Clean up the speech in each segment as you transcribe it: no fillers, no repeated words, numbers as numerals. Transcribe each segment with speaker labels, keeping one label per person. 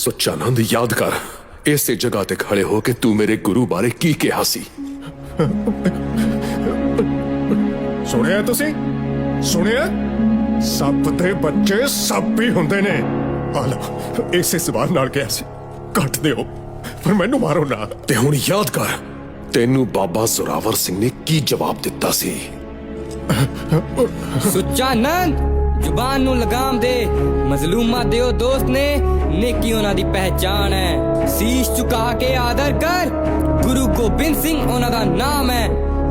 Speaker 1: ਸੁੱਚਾ ਨੰਦ याद कर ਇਸੇ ਜਗ੍ਹਾ ਤੇ ਖੜੇ ਹੋ ਕੇ ਤੂੰ ਮੇਰੇ ਗੁਰੂ ਬਾਰੇ ਕੀ ਕਿਹਾ ਸੀ।
Speaker 2: ਸੁਣਿਆ ਤੁਸੀਂ? ਸੁਣਿਆ? ਸੱਪ ਦੇ ਬੱਚੇ ਸੱਪ ਹੀ ਹੁੰਦੇ ਨੇ। ਆ ਲਓ, ਇਸੇ ਸਵਾਲ ਨਾਲ ਕਿਹਾ ਸੀ ਕੱਟ ਦਿਓ, ਪਰ ਮੈਨੂੰ ਮਾਰੋ ਨਾ।
Speaker 1: ਤੇ ਹੁਣ याद कर ਤੈਨੂੰ ਬਾਬਾ ਜ਼ੋਰਾਵਰ ਸਿੰਘ ਨੇ ਕੀ ਜਵਾਬ ਦਿੱਤਾ ਸੀ।
Speaker 3: ਸੁੱਚਾ ਨੰਦ ਜ਼ੁਬਾਨ ਨੂੰ ਲਗਾਮ ਦੇ। ਮਜ਼ਲੂਮਾਂ ਦੇ ਉਹ ਦੋਸਤ ਨੇ, ਨੇਕੀ ਉਹਨਾਂ ਦੀ ਪਹਿਚਾਣ ਹੈ। ਸੀਸ ਝੁਕਾ ਕੇ ਆਦਰ ਕਰ, ਗੁਰੂ ਗੋਬਿੰਦ ਸਿੰਘ ਉਹਨਾਂ ਦਾ ਨਾਮ ਹੈ।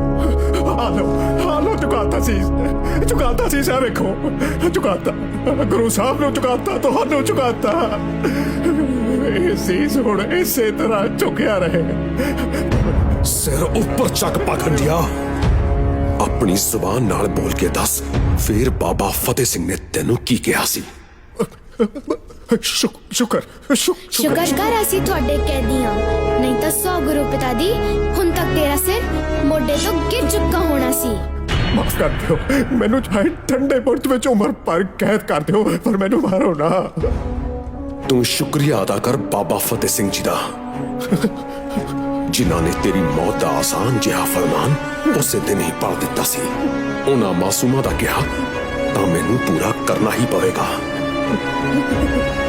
Speaker 2: ਹਾਲੋ ਚੁਕਾਤਾ ਸੀ ਸਾ ਵੇਖੋ, ਚੁਕਾਤਾ ਗੁਰੂ ਸਾਹਿਬ ਨੂੰ, ਚੁਕਾਤਾ ਤੁਹਾਨੂੰ, ਚੁਕਾਤਾ। ਇਹ ਸੀਸ ਹੁਣ ਇਸੇ ਤਰ੍ਹਾਂ ਝੁਕਿਆ ਰਹੇ।
Speaker 1: ਸਿਰ ਉੱਪਰ ਚੱਕ ਪਾਖੰਡਿਆ, ਆਪਣੀ ਜ਼ੁਬਾਨ ਨਾਲ ਬੋਲ ਕੇ ਦੱਸ ਫਿਰ ਬਾਬਾ ਫਤਿਹ ਸਿੰਘ ਨੇ ਤੈਨੂੰ ਕੀ ਕਿਹਾ ਸੀ।
Speaker 2: ਸ਼ੁਕਰ
Speaker 4: ਕਰ ਅਸੀਂ ਤੁਹਾਡੇ ਕੈਦੀਆਂ, ਨਹੀਂ ਤਾਂ 100 ਗੁਰੂ ਪਿਤਾ ਦੀ ਹੁਣ ਤੱਕ ਤੇਰਾ ਸਿਰ ਮੋਢੇ ਤੋਂ ਗਿਰ ਚੁੱਕਾ ਹੋਣਾ ਸੀ।
Speaker 2: ਮਾਫ ਕਰ ਦਿਓ, ਮੈਨੂੰ ਚਾਹੇ ਠੰਡੇ ਬੁਰਜ ਵਿੱਚ ਉਮਰ ਭਰ ਕੈਦ ਕਰ ਦਿਓ, ਪਰ ਮੈਨੂੰ ਮਾਰੋ ਨਾ।
Speaker 1: ਤੂੰ ਸ਼ੁਕਰੀਆ ਅਦਾ ਕਰ ਬਾਬਾ ਫਤਿਹ ਸਿੰਘ ਜੀ ਦਾ, ਜਿਨ੍ਹਾਂ ਨੇ ਤੇਰੀ ਮੌਤ ਦਾ ਆਸਾਨ ਜਿਹਾ ਫਰਮਾਨ ਉਸੇ ਦਿਨ ਹੀ ਪੜ ਦਿੱਤਾ ਸੀ। ਉਹਨਾਂ ਮਾਸੂਮਾਂ ਦਾ ਕਿਹਾ ਤਾਂ ਮੈਨੂੰ ਪੂਰਾ ਕਰਨਾ ਹੀ ਪਵੇਗਾ।